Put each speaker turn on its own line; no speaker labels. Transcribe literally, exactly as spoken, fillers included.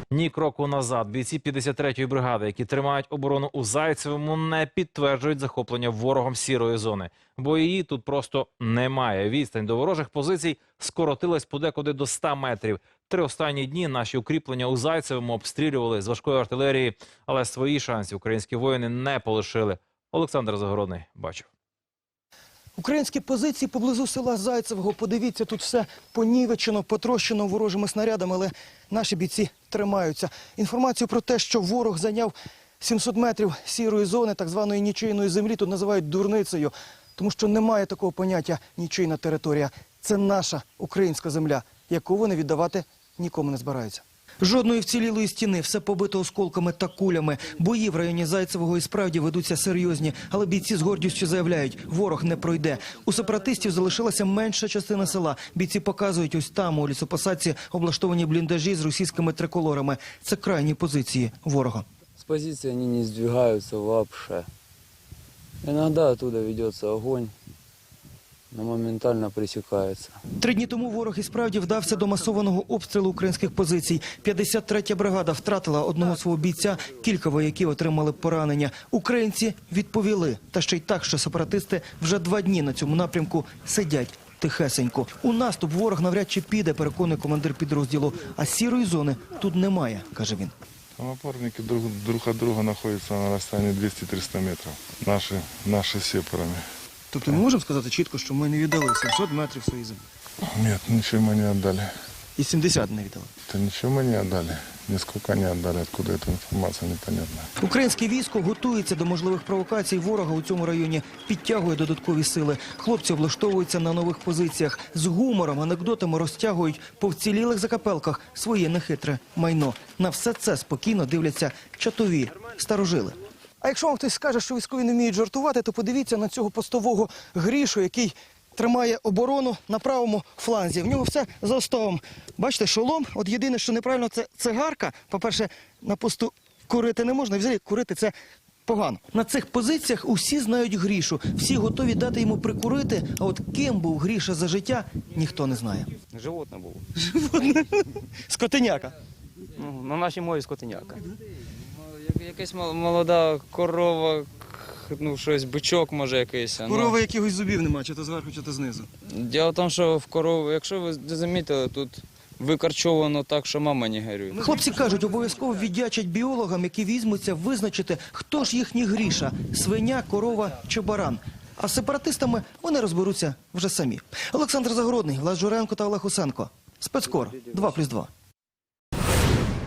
Ні кроку назад. Бійці п'ятдесят третьої бригади, які тримають оборону у Зайцевому, не підтверджують захоплення ворогом сірої зони. Бо її тут просто немає. Відстань до ворожих позицій скоротилась подекуди до ста метрів. Три останні дні наші укріплення у Зайцевому обстрілювали з важкої артилерії, але свої шанси українські воїни не полишили. Олександр Загородний бачив.
Українські позиції поблизу села Зайцевого. Подивіться, тут все понівечено, потрощено ворожими снарядами, але наші бійці тримаються. Інформацію про те, що ворог зайняв сімсот метрів сірої зони, так званої нічийної землі, тут називають дурницею. Тому що немає такого поняття «нічийна територія». Це наша українська земля, яку вони віддавати нікому не збираються. Жодної вцілілої стіни, все побито осколками та кулями. Бої в районі Зайцевого і справді ведуться серйозні, але бійці з гордістю заявляють, ворог не пройде. У сепаратистів залишилася менша частина села. Бійці показують, ось там, у лісопосадці, облаштовані бліндажі з російськими триколорами. Це крайні позиції ворога.
С позиции они не сдвигаются вообще. Иногда оттуда ведется огонь, но моментально пресекается.
Три дні тому ворог і справді вдався до масованого обстрілу українських позицій. п'ятдесят третя бригада втратила одного свого бійця, кілька вояків отримали поранення. Українці відповіли, та ще й так, що сепаратисти вже два дні на цьому напрямку сидять тихесенько. У наступ ворог навряд чи піде, переконує командир підрозділу. А сірої зони тут немає, каже він.
Там опорники друг, друг от друга находятся на расстоянии двести-триста метров. Наши, наши сепарами.
Тобто ми можемо сказати чітко, що ми не віддали сімсот метрів своїй землі?
Нет, ничего мы не отдали.
І сімдесят не віддали?
Да ничего мы не отдали. Нисколько не отдали. Откуда эта информация, непонятно.
Українське військо готується до можливих провокацій ворога у цьому районі, підтягує додаткові сили. Хлопці облаштовуються на нових позиціях. З гумором, анекдотами розтягують по вцілілих закапелках своє нехитре майно. На все це спокійно дивляться чатові старожили. А якщо вам хтось скаже, що військові не вміють жартувати, то подивіться на цього постового Грішу, який тримає оборону на правому фланзі. В нього все за остовом. Бачите, шолом. От єдине, що неправильно, це цигарка. По-перше, на посту курити не можна. Взагалі, курити – це погано. На цих позиціях усі знають Грішу. Всі готові дати йому прикурити. А от ким був Гріша за життя, ніхто не знає.
Животне було.
Животне? Скотиняка.
Ну, на нашій мові скотиняка.
Якась молода корова, ну щось, бичок може якийсь.
Корови якихось зубів немає, чи то зверху, чи то знизу.
Діло в тому, що в корову, якщо ви замітили, тут викарчовано так, що мама не горює.
Хлопці кажуть, обов'язково віддячать біологам, які візьмуться визначити, хто ж їхній Гріша – свиня, корова чи баран. А з сепаратистами вони розберуться вже самі. Олександр Загородний, Влад Журенко та Олег Усенко. Спецкор два плюс два.